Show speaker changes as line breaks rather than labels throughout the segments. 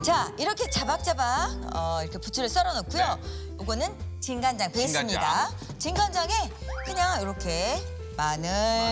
자, 이렇게 자박자박 이렇게 부추를 썰어 놓고요. 요거는 진간장 베이스입니다. 진간장에 그냥 이렇게 마늘,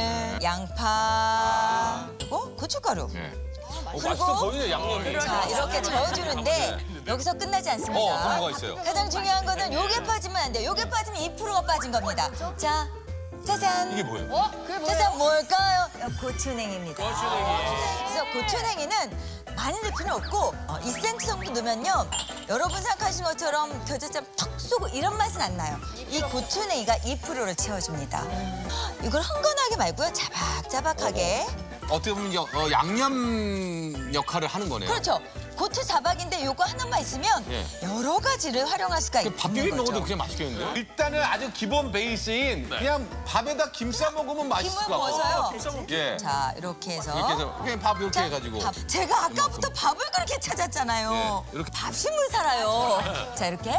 양파, 그리고 고춧가루.
네.
그리고
맛있어 보이네, 양념이.
자, 이렇게 저어주는데 여기서 끝나지 않습니다.
그런 거 있어요.
가장 중요한 거는 요게 빠지면 안 돼요. 요게 빠지면 2%가 빠진 겁니다. 자, 짜잔.
이게 뭐예요?
그게 뭐예요?
짜잔, 뭘까요? 고추냉이입니다. 그래서 고추냉이는 많이 넣을 필요 없고 2cm 정도 넣으면요. 여러분 생각하신 것처럼 겨자처럼 턱 쏘고 이런 맛은 안 나요. 이 고추냉이가 2%를 채워줍니다. 이걸 흥건하게 말고요. 자박자박하게.
어떻게 보면 양념 역할을 하는 거네요.
그렇죠. 고추 자박인데 요거 하나만 있으면
예.
여러 가지를 활용할 수가 있는
밥 비빔
거죠.
먹어도 그냥 맛있겠는데요? 일단은 아주 기본 베이스인 그냥 밥에다 김 싸 먹으면 맛있을
김을
것 같아요.
부어서요.
예.
자, 이렇게 해서.
이렇게 해서 그냥 밥 이렇게
자,
해가지고.
밥. 제가 아까부터 밥을 그렇게 찾았잖아요.
예, 이렇게.
밥심을 살아요. 자, 이렇게.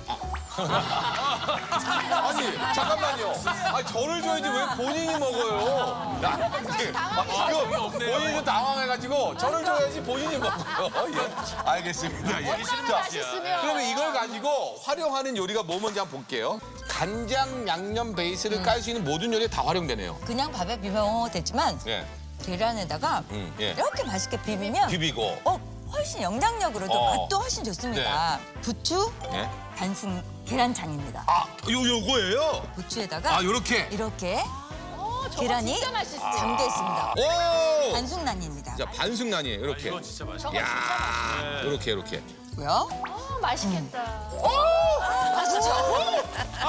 아니 잠깐만요. 아니 저를 줘야지 왜 본인이 먹어요? 지금 본인이 당황해가지고 저를 줘야지 본인이 먹어요. 예. 알겠습니다. 예. 자, 그러면 이걸 가지고 활용하는 요리가 뭐 뭔지 한번 볼게요. 간장 양념 베이스를 깔 수 있는 모든 요리에 다 활용되네요.
그냥 밥에 비벼 먹어도 되지만
예.
계란에다가
예.
이렇게 맛있게 비비면
비비고.
훨씬 영장력으로도 맛도 훨씬 좋습니다. 부추,
예.
단순 계란장입니다.
아, 요거예요?
부추에다가
요렇게.
이렇게
저거
계란이
진짜 맛있어.
잠겨 있습니다.
오!
반숙란입니다.
자, 반숙란이에요. 이렇게.
이거 진짜 맛있어.
야, 이렇게.
고요.
맛있겠다.
맛있죠?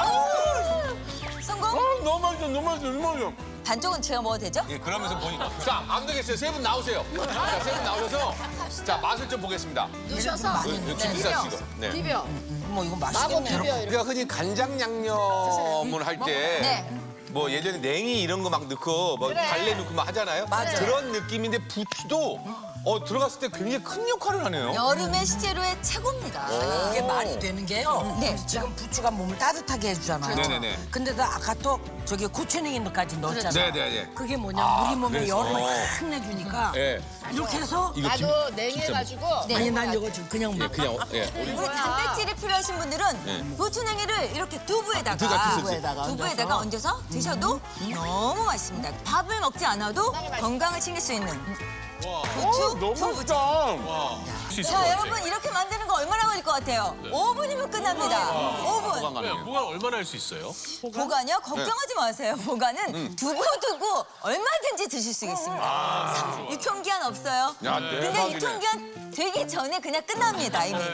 성공?
너무 맛있어.
반쪽은 제가 먹어도 되죠?
예, 그러면서 보니까. 자, 안 되겠어요. 세 분 나오세요. 자, 세 분 나오셔서 자, 맛을 좀 보겠습니다.
드셔서
김 싸시고. 네.
비벼.
뭐 이거
마구
맛있겠네.
비벼 이렇게.
우리가 흔히 간장 양념을 할 때
네.
뭐 예전에 냉이 이런 거 막 넣고 뭐 달래 넣고 막 하잖아요.
맞아요.
그런 느낌인데 부추도 들어갔을 때 굉장히 큰 역할을 하네요.
여름의 식재료의 최고입니다.
이게 말이 되는 게요.
네.
지금 부추가 몸을 따뜻하게 해주잖아요.
네네네.
근데 아까 또 저기 고추냉이까지 넣었잖아요.
네네네.
그게 뭐냐 우리 몸에
그래서.
열을 확 내주니까
예.
이렇게 해서
이거 김,
나도 냉해가지고.
아니 난 이거 좀 그냥
예, 그냥
우리 단백질이 필요하신 분들은 고추냉이를 이렇게 두부에다가
두부에다가
얹어서 드셔도 너무 맛있습니다. 밥을 먹지 않아도 건강을 챙길 수 있는 부추, 두부. 자, 여러분 이렇게 만드는 거 얼마나 걸릴 것 같아요? 5분이면 끝납니다. 5분.
뭐가 얼마나 할 수 있어요?
보관요? 걱정하지 마세요. 보관은 두고 얼마든지 드실 수 있습니다. 유통기한 없어요.
야,
근데
대박이네.
유통기한 되기 전에 그냥 끝납니다, 이미.